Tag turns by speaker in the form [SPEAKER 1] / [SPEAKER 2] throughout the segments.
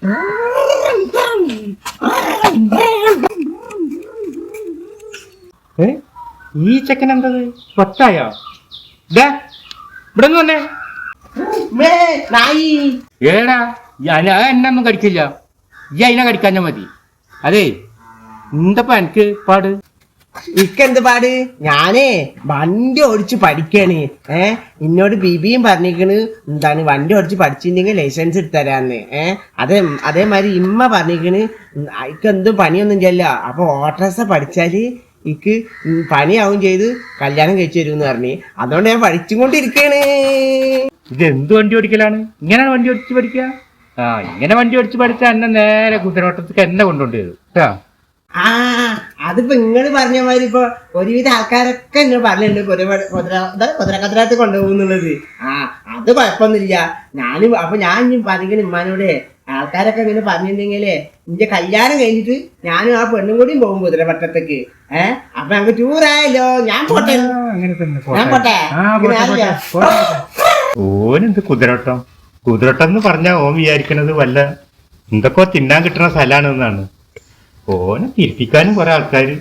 [SPEAKER 1] ഈ ചെക്കൻ എന്തത് പൊട്ടായോ? ഇവിടെ വന്നേ. ഏടാ എന്നൊന്നും കടിക്കില്ല, ഈ അതിനെ കടിക്കാഞ്ഞ മതി. അതെ എന്തപ്പാ എനിക്ക് പാട്?
[SPEAKER 2] ഇക്കെന്ത് പാട്? ഞാനേ വണ്ടി ഓടിച്ച് പഠിക്കാണ്. എന്നോട് ബിബിയും പറഞ്ഞിരിക്കണ് എന്താണ് വണ്ടി ഓടിച്ച് പഠിച്ചിട്ടുണ്ടെങ്കിൽ ലൈസൻസ് എടുത്തരാന്ന്. അതേമാതിരി ഇമ്മ പറഞ്ഞിരിക്കണ് ഇക്കെന്തും പണിയൊന്നും ചെയ്യല്ല, അപ്പൊ ഓട്ടോറിക്ഷ പഠിച്ചാല് ഇക്ക് പണിയാവും ചെയ്ത് കല്യാണം കഴിച്ചു തരുമെന്ന് പറഞ്ഞ്. അതുകൊണ്ട് ഞാൻ പഠിച്ചുകൊണ്ടിരിക്കണ്.
[SPEAKER 1] ഇത് എന്ത് വണ്ടി ഓടിക്കലാണ്? ഇങ്ങനെയാണ് വണ്ടി ഓടിച്ച് പഠിക്കുക? ഇങ്ങനെ വണ്ടി ഓടിച്ച് പഠിച്ചാൽ എന്നെ നേരെ കുതിരവട്ടത്തേക്ക് എന്നെ കൊണ്ടുകൊണ്ട് വരും കേട്ടോ.
[SPEAKER 2] അതിപ്പോ നിങ്ങള് പറഞ്ഞ മാതിരി ഇപ്പൊ ഒരുവിധ ആൾക്കാരൊക്കെ എന്നോട് പറഞ്ഞിട്ടുണ്ട് കുതിരക്കത്തിനകത്ത് കൊണ്ടുപോകുന്നുള്ളത്. അത് കുഴപ്പമൊന്നുമില്ല. ഞാൻ പറഞ്ഞിരിക്കുന്ന ഉമ്മാനോട് ആൾക്കാരൊക്കെ ഇങ്ങനെ പറഞ്ഞിട്ടുണ്ടെങ്കിലേ നിന്റെ കല്യാണം കഴിഞ്ഞിട്ട് ഞാനും ആ പെണ്ണും കൂടിയും പോകും കുതിരപട്ടത്തേക്ക്. അപ്പൊ ഞങ്ങക്ക് ടൂറായല്ലോ. ഞാൻ പോട്ടെ.
[SPEAKER 1] ഓനെന്ത് കുതിരവട്ടം? കുതിരവട്ടം എന്ന് പറഞ്ഞാൽ ഓൻ വിചാരിക്കണത് വല്ല എന്തൊക്കെ തിന്നാൻ കിട്ടുന്ന സ്ഥലമാണെന്നാണ്. ഓനെ തിരിപ്പിക്കാനും കുറെ ആൾക്കാര്.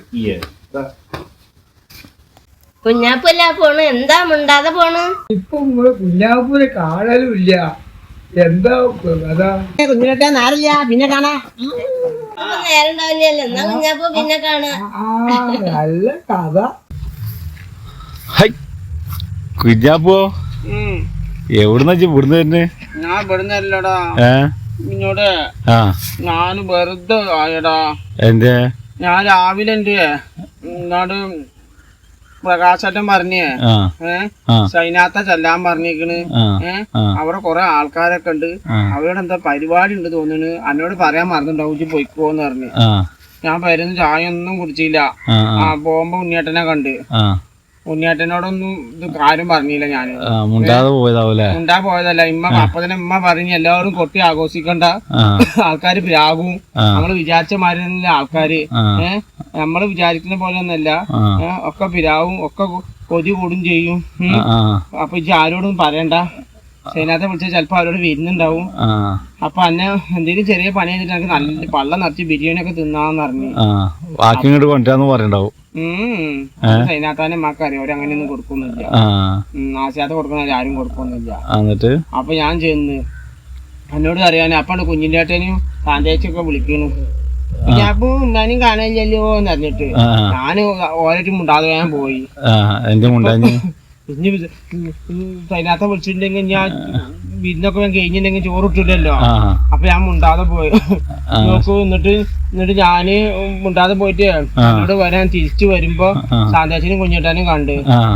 [SPEAKER 3] കുഞ്ഞാപ്പൂല പോണ്, എന്താ മുണ്ടാതെ പോണ്?
[SPEAKER 4] ഇപ്പൊ കുഞ്ഞാപ്പൂരെ കാണലും ഇല്ല. എന്താ
[SPEAKER 2] കുഞ്ഞിനൊക്കെ നേരല്ല, പിന്നെ കാണാ.
[SPEAKER 3] നേരം ഉണ്ടാവില്ലല്ലോ, എന്നാ കുഞ്ഞാപ്പൂ പിന്നെ കാണാ.
[SPEAKER 4] നല്ല കഥ.
[SPEAKER 5] കുഞ്ഞാപ്പോ എവിടുന്ന ഇവിടുന്ന് തന്നെ?
[SPEAKER 6] ഞാൻ ഇവിടുന്നല്ലടാ, ഇങ്ങോട്ട് ഞാൻ വെറുതെ ആയടാ.
[SPEAKER 5] എന്തേ?
[SPEAKER 6] ഞാൻ രാവിലെ ഇങ്ങോട്ട് പ്രകാശേട്ടൻ പറഞ്ഞേ സൈനാത്ത ചെല്ലാൻ പറഞ്ഞേക്കണ്. അവിടെ കൊറേ ആൾക്കാരൊക്കെ ഉണ്ട്, അവരോട് എന്താ പരിപാടി ഉണ്ട് തോന്നുന്നു. എന്നോട് പറയാൻ മറന്നിട്ടുണ്ടാവും പോയിക്കോന്ന് പറഞ്ഞ്. ഞാൻ വരുന്ന ചായ ഒന്നും കുടിച്ചില്ല. പോകുമ്പോ ഉണ്ണിയേട്ടനെ കണ്ട്. ഉണ്ണിയേട്ടനോടൊന്നും ഇത് കാര്യം പറഞ്ഞില്ല. ഞാന് ഉണ്ടാ പോയതല്ല. അപ്പൊ തന്നെ ഇമ്മ പറഞ്ഞ് എല്ലാവരും കൊട്ടി ആഘോഷിക്കണ്ട, ആൾക്കാര് പ്രാകും. നമ്മള് വിചാരിച്ച മാതിരി ആൾക്കാര് നമ്മള് വിചാരിക്കുന്ന പോലെ ഒന്നല്ല. ഒക്കെ പിരാവും, ഒക്കെ കൊതി കൂടും ചെയ്യും. അപ്പൊ ഇജ്ജ് ആരോടും പറയണ്ട. സൈനാത്തെ വിളിച്ചാൽ ചിലപ്പോ അവരോട് വരുന്നുണ്ടാവും. അപ്പൊ അന്നെ എന്തെങ്കിലും ചെറിയ പണി ചെയ്തിട്ട് എനിക്ക് നല്ല പള്ളം നിറച്ച് ബിരിയാണി ഒക്കെ തിന്നാന്ന് പറഞ്ഞു. സൈനാത്താനെ അമ്മക്കറിയാം, അവരങ്ങനെയൊന്നും കൊടുക്കൊന്നുമില്ല. ആശാത്ത കൊടുക്കുന്ന ആരും കൊടുക്കൊന്നുമില്ല. അപ്പൊ ഞാൻ ചെന്ന് എന്നോട് അറിയാൻ അപ്പാണ് കുഞ്ഞിന്റെ ഏട്ടനും താന്തേച്ചൊക്കെ വിളിക്കണു. അപ്പൊ ഞാനും കാണാനില്ലല്ലോ എന്ന് അറിഞ്ഞിട്ട് ഞാന് ഓരോട്ടും മുണ്ടാതെ ഞാൻ പോയി. ഇനി സൈനാത്ത വിളിച്ചിട്ടുണ്ടെങ്കിൽ ഞാൻ വിരുന്നൊക്കെ ഞാൻ കഴിഞ്ഞിട്ടുണ്ടെങ്കിൽ ചോറിട്ടില്ലല്ലോ. അപ്പൊ ഞാൻ മുണ്ടാതെ പോയി നോക്കൂ. എന്നിട്ട് ഞാന് മുണ്ടാതെ പോയിട്ട് എന്നോട് വരാൻ തിരിച്ചു വരുമ്പോ സാന്താച്ചിനും കുഞ്ഞിട്ടാനും കണ്ട്.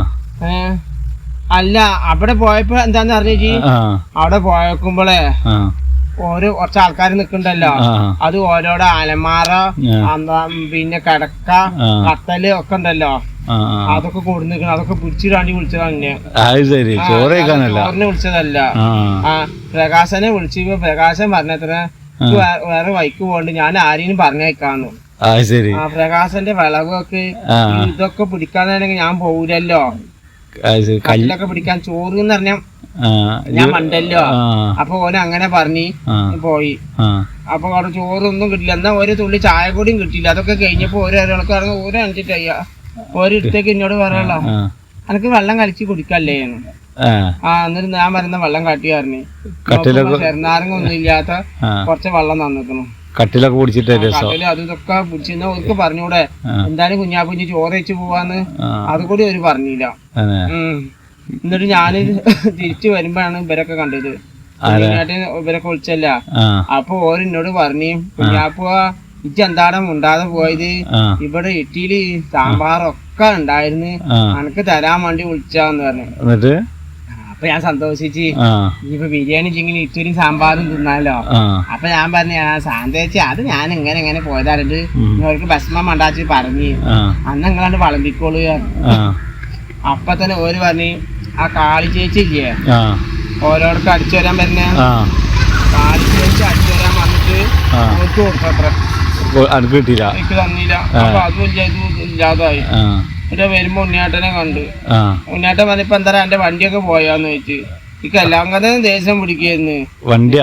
[SPEAKER 6] അല്ല അവിടെ പോയപ്പോ എന്താന്ന് അറിഞ്ഞേച്ചി, അവിടെ പോയേക്കുമ്പോളേ കുറച്ച് ആൾക്കാർ നിക്കണ്ടല്ലോ, അത് ഓരോരോ അലമാറ, പിന്നെ കിടക്ക, കത്തല് ഒക്കെ ഉണ്ടല്ലോ, അതൊക്കെ കൊടുന്നിക്കണം. അതൊക്കെ പിടിച്ചിടാണ്ടി വിളിച്ചതാണ്. ചോറിനെ വിളിച്ചതല്ല. പ്രകാശനെ വിളിച്ചപ്പോ പ്രകാശൻ പറഞ്ഞത്ര വേറെ വൈക്ക് പോണ്ട്, ഞാൻ ആരെയും പറഞ്ഞേക്കാന്ന്. പ്രകാശന്റെ വിളവൊക്കെ ഇതൊക്കെ പിടിക്കാന്നാണെങ്കിൽ ഞാൻ പോവില്ലല്ലോ. കല്ലൊക്കെ പിടിക്കാൻ ചോറ് എന്ന് പറഞ്ഞ ഞാൻ മണ്ടല്ലോ. അപ്പൊ ഓന് അങ്ങനെ പറഞ്ഞ് പോയി. അപ്പൊ അവിടെ ചോറൊന്നും കിട്ടില്ല. എന്നാ ഒരു തുള്ളി ചായ കൂടിയും കിട്ടിയില്ല. അതൊക്കെ കഴിഞ്ഞപ്പോ ഓരോരാൾക്ക് ഇറങ്ങി ഓരോ അഞ്ചിട്ടയ്യ ഓരോരുത്തേക്ക് എന്നോട് പറയല്ലോ, എനിക്ക് വെള്ളം കലക്കി കുടിക്കല്ലേ. എന്നിട്ട് ഞാൻ വരുന്ന വെള്ളം കാട്ടി പറഞ്ഞു. ചെറുനാരങ്ങ ഒന്നും ഇല്ലാത്ത കുറച്ച് വെള്ളം തന്നിക്കണം.
[SPEAKER 5] കട്ടിലൊക്കെ പിടിച്ചിട്ട്
[SPEAKER 6] അത് ഇതൊക്കെ പിടിച്ചിരുന്ന ഓർക്ക് പറഞ്ഞൂടെ എന്തായാലും കുഞ്ഞാപ്പുഞ്ഞി ചോറ് വെച്ച് പോവാന്ന്. അതുകൂടി അവര് പറഞ്ഞില്ല. എന്നിട്ട് ഞാന് തിരിച്ചു വരുമ്പോഴാണ് ഇവരൊക്കെ കണ്ടത്. ഇവരൊക്കെ വിളിച്ചല്ല. അപ്പൊ ഓരെന്നോട് പറഞ്ഞു, കുഞ്ഞാപ്പ ഇജ്ജ് എന്താടാ മുണ്ടാതെ പോയത്? ഇവിടെ ഇഡ്ഡലി സാമ്പാറൊക്കെ ഉണ്ടായിരുന്നു, അനക്ക് തരാൻ വേണ്ടി വിളിച്ചാന്ന് പറഞ്ഞു. അപ്പൊ ഞാൻ സന്തോഷിച്ച് ഇനിയിപ്പോ ബിരിയാണി ചിങ്ങിന് ഇറ്റൂരും സാമ്പാറും തിന്നാലോ. അപ്പൊ ഞാൻ പറഞ്ഞു സാന്തേച്ചി അത് ഞാൻ എങ്ങനെ പോയതായിട്ട് അവർക്ക് ഭസ്മം മണ്ടാച്ച് പറഞ്ഞ് അന്ന് നിങ്ങളാണ്ട് വളമ്പിക്കോളൂ. അപ്പൊ തന്നെ ഓര് പറഞ്ഞ് ആ കാളി ചേച്ചി ഇല്ലേ ഓരോടൊക്കെ അടിച്ചു വരാൻ വരുന്ന കാളി ചേച്ചി അടിച്ചു വരാൻ വന്നിട്ട് ഓർക്ക് കൊടുക്കത്ര എനിക്ക് തന്നില്ല. അപ്പൊ അതും ഇല്ലാതായി. പിന്നെ വരുമ്പോ ഉണ്ണിയേട്ടനെ കണ്ട്. ഉണ്ണിയേട്ടൻ പറഞ്ഞപ്പോ എന്താ എന്റെ വണ്ടിയൊക്കെ പോയാന്ന് ചോദിച്ചു. എനിക്ക് എല്ലാം കഥ ദേഷ്യം പിടിക്കായിരുന്നു.
[SPEAKER 5] വണ്ടിയാ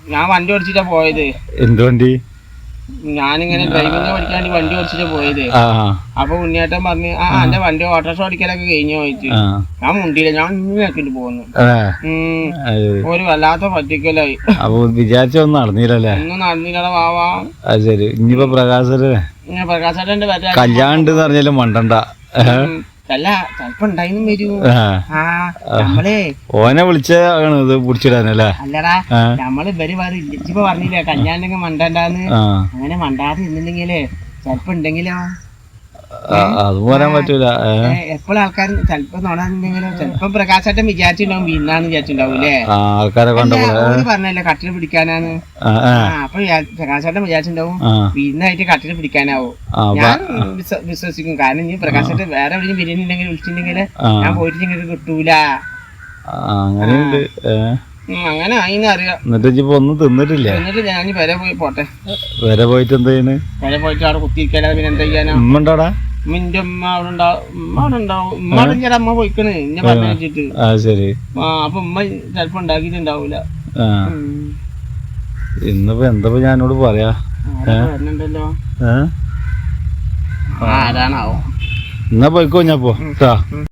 [SPEAKER 6] ഞാൻ വണ്ടി ഓടിച്ചിട്ടാ പോയത്.
[SPEAKER 5] എന്ത് വണ്ടി?
[SPEAKER 6] ഞാനിങ്ങനെ ഡ്രൈവിംഗ് പഠിക്കാൻ വേണ്ടി വണ്ടി ഓടിച്ചിട്ടാ പോയത്.
[SPEAKER 5] ആ
[SPEAKER 6] അപ്പൊ ഉണ്ണിയേട്ടൻ പറഞ്ഞ് എന്റെ വണ്ടി ഓട്ടോറിക്ഷ ഓടിക്കലൊക്കെ കഴിഞ്ഞു പോയിട്ട്.
[SPEAKER 5] ആ
[SPEAKER 6] ഞാൻ മുണ്ടിയില്ല, ഞാൻ ഇങ്ങനെയാക്കിട്ട് പോകുന്നു.
[SPEAKER 5] അത്
[SPEAKER 6] ഒരു വല്ലാത്ത പറ്റിക്കലായി.
[SPEAKER 5] അപ്പൊ വിചാരിച്ചൊന്നും നടന്നില്ലല്ലേ?
[SPEAKER 6] ഒന്നും നടന്നില്ലടാ വാവാ.
[SPEAKER 5] അത് ശരി. ഇനിയിപ്പോ പ്രകാശന്
[SPEAKER 6] ഇങ്ങനെ പ്രകാശേട്ടന്റെ പറ്റാ
[SPEAKER 5] കല്യാണം ഉണ്ട് പറഞ്ഞാലും മണ്ടണ്ട.
[SPEAKER 6] അല്ല ചെലപ്പോ ഉണ്ടായിന്നും വരൂ.
[SPEAKER 5] ആ.
[SPEAKER 6] നമ്മളേ
[SPEAKER 5] ഓനെ വിളിച്ചാണ് ഇത് പിടിച്ചിടാനല്ലേ?
[SPEAKER 6] അല്ലടാ നമ്മള് ഇവര് ഇപ്പൊ പറഞ്ഞില്ലേ കല്യാണം മണ്ടണ്ടാന്ന്.
[SPEAKER 5] ആ
[SPEAKER 6] അങ്ങനെ മണ്ടാതെ ഇരുന്നില്ലെങ്കിലേ ചെലപ്പോ ഉണ്ടെങ്കിലോ
[SPEAKER 5] അത് പറയാൻ പറ്റൂല.
[SPEAKER 6] എപ്പോഴും ആൾക്കാർ ചെലപ്പോ നോടാന്നുണ്ടെങ്കിലോ ചെലപ്പോ പ്രകാശാട്ടം വിചാരിച്ചിട്ടുണ്ടാവും വീന്നാന്ന് വിചാരിച്ചിട്ടുണ്ടാവൂലേ?
[SPEAKER 5] ആൾക്കാരെ
[SPEAKER 6] പറഞ്ഞല്ലേ കട്ടില് പിടിക്കാനാണ്. അപ്പൊ പ്രകാശാട്ടം വിചാരിച്ചിട്ടുണ്ടാവും വീന്നായിട്ട് കട്ടില് പിടിക്കാനാവും. ഞാൻ വിശ്വസിക്കും. കാരണം ഇനി പ്രകാശാട്ടം വേറെ എവിടെയും ബിരിയാണി ഉണ്ടെങ്കിൽ വിളിച്ചിട്ടുണ്ടെങ്കിൽ ഞാൻ പോയിട്ട് നിങ്ങൾക്ക് കിട്ടൂല.
[SPEAKER 5] അങ്ങനെയുണ്ട്.
[SPEAKER 6] അങ്ങനെ ആയിന്ന് അറിയാം.
[SPEAKER 5] എന്നിട്ട് ഇപ്പൊ ഒന്നും തിന്നിട്ടില്ല.
[SPEAKER 6] എന്നിട്ട് ഞാൻ വരെ പോയി പോട്ടെ.
[SPEAKER 5] വരെ പോയിട്ട് എന്താ ചെയ്യുന്നു?
[SPEAKER 6] വരെ പോയിട്ട് അവിടെ കുത്തിയിരിക്കാതെ പിന്നെ എന്താ ചെയ്യാനാ?
[SPEAKER 5] ഉമ്മ ഉണ്ടാടാ?
[SPEAKER 6] ഉമ്മിന്റെ ഉമ്മ അവിടെ ഉണ്ടാവും. ഉമ്മ അവിടെ ഉണ്ടാവും. ഉമ്മ ഞാൻ അമ്മ പോയിക്കണ് എന്നെ പറഞ്ഞു വെച്ചിട്ട്.
[SPEAKER 5] ശരി.
[SPEAKER 6] അപ്പൊ ഉമ്മ ചെലപ്പോ ഉണ്ടാക്കിട്ടുണ്ടാവൂല.
[SPEAKER 5] ഇന്നിപ്പോ എന്താ ഞാനോട് പറയാ?
[SPEAKER 6] വരുന്നുണ്ടല്ലോ.
[SPEAKER 5] ഏ
[SPEAKER 6] ആരാണാവോ?
[SPEAKER 5] എന്നാ പോയിക്കോ ഞാൻ പോ.